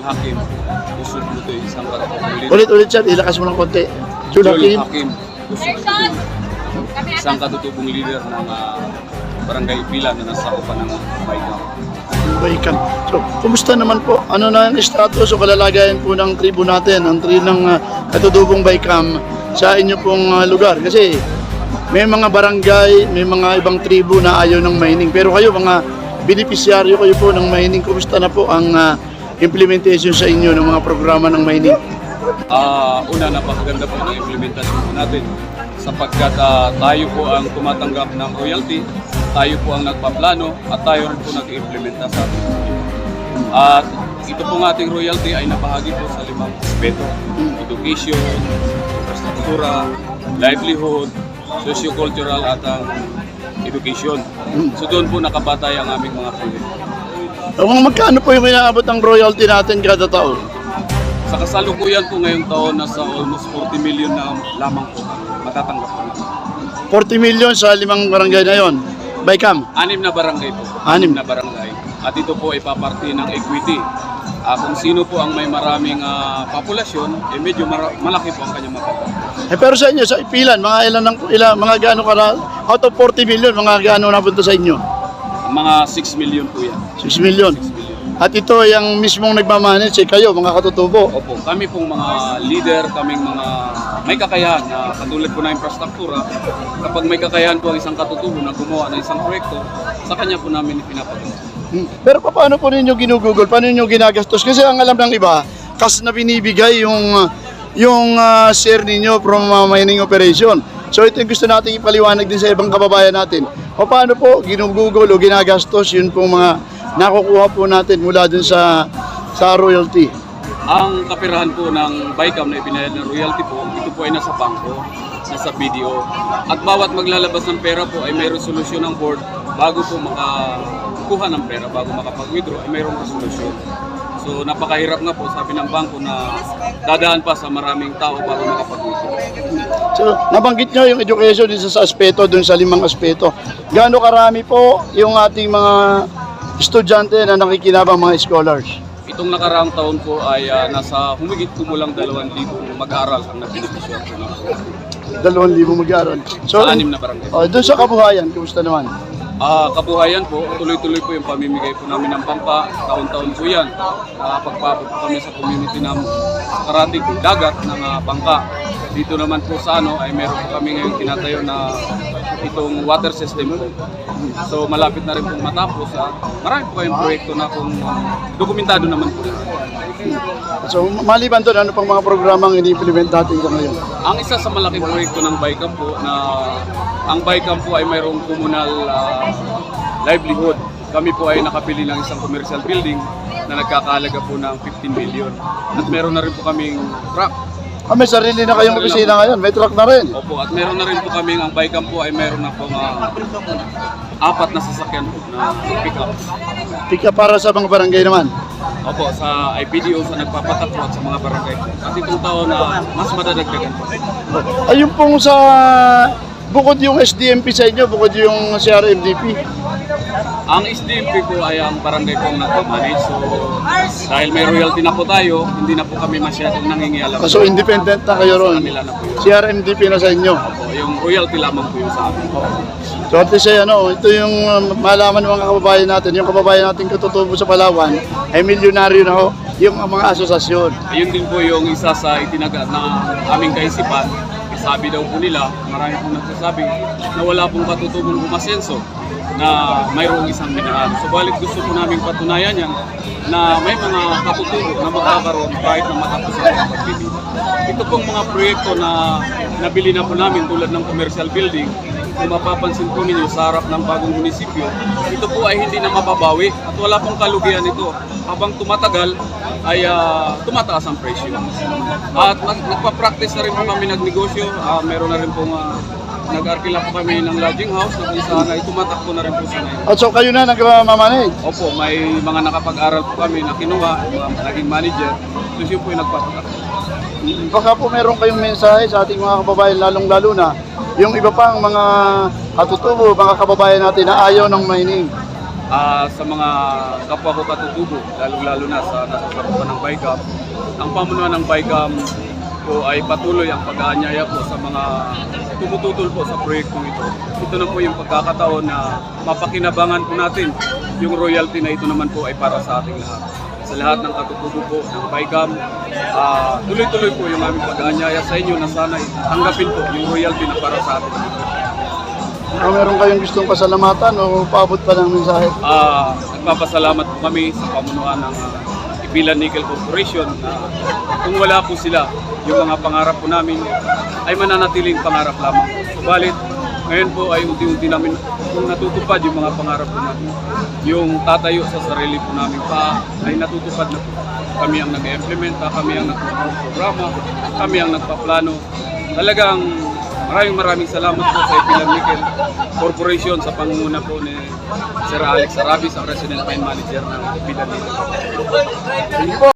Hakim. Usod mo ito isang katutubong Ulit-ulit sir, ilakas mo ng konti. Jul Hakim. Hakim. Usod. Isang katutubong leader ng Barangay Pila na nasa upan ng Baykam. Baykam. So, kumusta naman po? Ano na ang status o kalalagayan po ng tribo natin, ang tribo ng katutubong Baykam sa inyo pong lugar? Kasi may mga barangay, may mga ibang tribo na ayaw ng mining. Pero kayo, mga beneficiaryo kayo po ng mining. Kumusta na po ang implementation sa inyo ng mga programa ng mining? Una, napakaganda po ng implementasyon po natin sapagkat tayo po ang tumatanggap ng royalty, tayo po ang nagpaplano at tayo rin po nag-implementa sa ating At ito pong ating royalty ay napahagi po sa 5 aspeto: education, infrastruktura, livelihood, socio-cultural at education. So doon po nakabatay ang aming mga proyekto. Magkano po yung inaabot ng royalty natin kada taon? Sa kasalukuyan po ngayong taon, nasa almost 40 million na lamang po matatanggap po. 40 million sa 5 barangay na yon. Baykam? 6 na barangay po. 6 na barangay. At ito po ay paparti ng equity. Kung sino po ang may maraming populasyon, medyo malaki po ang kanyang mapapala. Pero sa inyo, sa Ipilan, mga gaano ka na, out of 40 million, mga gaano napunta sa inyo? Mga 6 million po yan. 6 million. 6 million. At ito yung mismong nagmamanage, kayo, mga katutubo. Opo, kami pong mga leader, kaming mga may kakayahan na katulad po na infrastruktura. Kapag may kakayahan po ang isang katutubo na gumawa ng isang proyekto, sa kanya po namin ipinapagawa. Pero paano po ninyo ginugugol? Paano ninyo ginagastos? Kasi ang alam ng iba, kas na binibigay yung share ninyo from mining operation. So ito yung gusto natin ipaliwanag din sa ibang kababayan natin. O paano po ginugugol o ginagastos yun pong mga nakukuha po natin mula dun sa royalty? Ang kapirahan po ng Baykam na ipinayad ng royalty po, ito po ay nasa bangko, nasa BDO. At bawat maglalabas ng pera po ay may resolusyon ng board bago po makakuha ng pera, bago makapag-withdraw ay mayroong resolusyon. So napakahirap nga po, sabi ng bangko, na dadaan pa sa maraming tao bago makapag-withdraw. So nabanggit nyo yung education isa sa aspeto, dun sa 5 aspeto. Gaano karami po yung ating mga estudyante na nakikinabang, mga scholars? Itong nakaraang taon po ay nasa humigit kumulang 2,000 mag-aaral ang nagbenepisyo po ng 2,000 mag-aaral. So, sa 6 na barangay. doon sa kabuhayan, kumusta naman? Kabuhayan po, tuloy-tuloy po yung pamimigay po namin ng pampa. Taon-taon po yan. Nakapagpapot po kami sa community ng karating dagat ng bangka. Dito naman po sa ay meron po kami ngayon tinatayo na itong water system po. So malapit na rin pong matapos. Marami po kayong proyekto na kung dokumentado naman po. So maliban doon, ano pang mga programang ini-implement natin sa ngayon? Ang isa sa malaking proyekto ng Baykam po na ang Baykam po ay mayroong communal livelihood. Kami po ay nakapili ng isang commercial building na nagkakahalaga po ng 15 million. At meron na rin po kaming truck. May sarili na kayong opisina ngayon, may truck na rin. Opo, at meron na rin po kaming, ang Baykam po ay meron na po 4 na sasakyan po na pick-up. Pika para sa mga barangay naman. Opo, sa IPDO, sa nagpapatakbo at sa mga barangay. At itong taon na mas madadagdagan po. Ayun pong sa, bukod yung SDMP sa inyo, bukod yung CRMDP. Ang SDMP po ay ang barangay pong nagpamanage. So, dahil may royalty na po tayo, hindi na po kami masyadong nangingialam. So independent na kayo ron. Kanila na po yun. CRMDP na sa inyo. Opo, yung royalty lamang po yung sa amin. So at least ito yung malaman ng mga kababayan natin, yung kababayan natin katutubo sa Palawan, ay milyonaryo na ho, yung mga asosasyon. Ayun din po yung isa sa itinaga na aming kaisipan. Sabi daw po nila, marami pong nagsasabi na wala pong katutubong umasenso na mayroong isang minahal. Subalit gusto po namin patunayan yan na may mga katutubo na magkakaroon kahit na matapos ang pagbibili. Ito pong mga proyekto na nabili na po namin tulad ng commercial building, kung mapapansin po ninyo sa harap ng bagong munisipyo, ito po ay hindi na mababawi at wala pong kalugihan ito. Habang tumatagal ay tumataas ang presyo. At nagpa-practice na rin po kami nagnegosyo. Meron na rin pong nag-arkila po kami ng lodging house na kung saan ay tumatakbo na rin po sa ngayon. At so kayo na nagmamanage? Opo, may mga nakapag-aral po kami na kinuha, naging manager. So yun po yung nagpapatakbo. Baka po meron kayong mensahe sa ating mga kababayan, lalong-lalo na yung iba pang mga katutubo, mga kababayan natin na ayaw ng mining. sa mga kapwa ko katutubo, lalo na sa nasasakupan ng BICAM. Ang pamunuan ng BICAM po ay patuloy ang pag-aanyaya po sa mga tumututol po sa proyektong ito. Ito na po yung pagkakataon na mapakinabangan po natin yung royalty na ito naman po ay para sa ating lahat. Sa lahat ng katutubo po ng BICAM, tuloy-tuloy po yung aming pag-aanyaya sa inyo na sana tanggapin po yung royalty na para sa atin. Meron kayong gustong pasalamatan o paabot pa ng mensahe? Nagpapasalamat po kami sa pamunuan ng Ipilan Nickel Corporation na kung wala po sila, yung mga pangarap po namin ay mananatiling pangarap lamang. Subalit, ngayon po ay unti-unti namin kung natutupad yung mga pangarap po namin. Yung tatayo sa sarili po namin pa ay natutupad na po. Kami ang nag-implementa, kami ang nagpo-programa, kami ang nagpaplano. Talagang maraming salamat po sa Ipilan Nickel Corporation sa pangunguna po ni Sir Alex Arabis, ang Resident Mine Manager ng Ipilan Nickel.